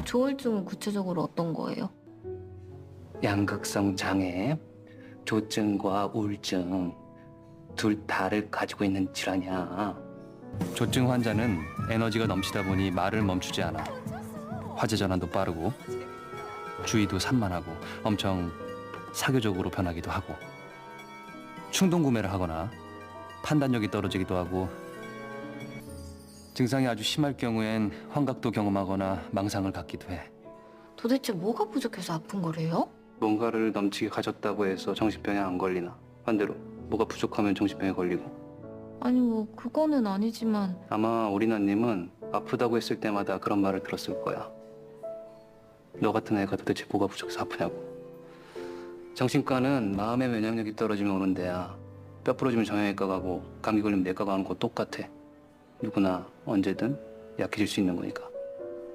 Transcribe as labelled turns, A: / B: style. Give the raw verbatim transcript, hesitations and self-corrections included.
A: 조울증은 구체적으로 어떤 거예요?
B: 양극성 장애, 조증과 우울증 둘 다를 가지고 있는 질환이야. 조증 환자는 에너지가 넘치다 보니 말을 멈추지 않아. 화제 전환도 빠르고 주의도 산만하고 엄청 사교적으로 변하기도 하고 충동 구매를 하거나 판단력이 떨어지기도 하고 증상이 아주 심할 경우엔 환각도 경험하거나 망상을 갖기도 해.
A: 도대체 뭐가 부족해서 아픈 거래요?
B: 뭔가를 넘치게 가졌다고 해서 정신병에 안 걸리나? 반대로 뭐가 부족하면 정신병에 걸리고.
A: 아니 뭐 그거는 아니지만
B: 아마 우리 나님은 아프다고 했을 때마다 그런 말을 들었을 거야. 너 같은 애가 도대체 뭐가 부족해서 아프냐고. 정신과는 마음의 면역력이 떨어지면 오는 데야. 뼈 부러지면 정형외과 가고 감기 걸리면 내과 가는 거 똑같아. 누구나 언제든 약해질 수 있는 거니까.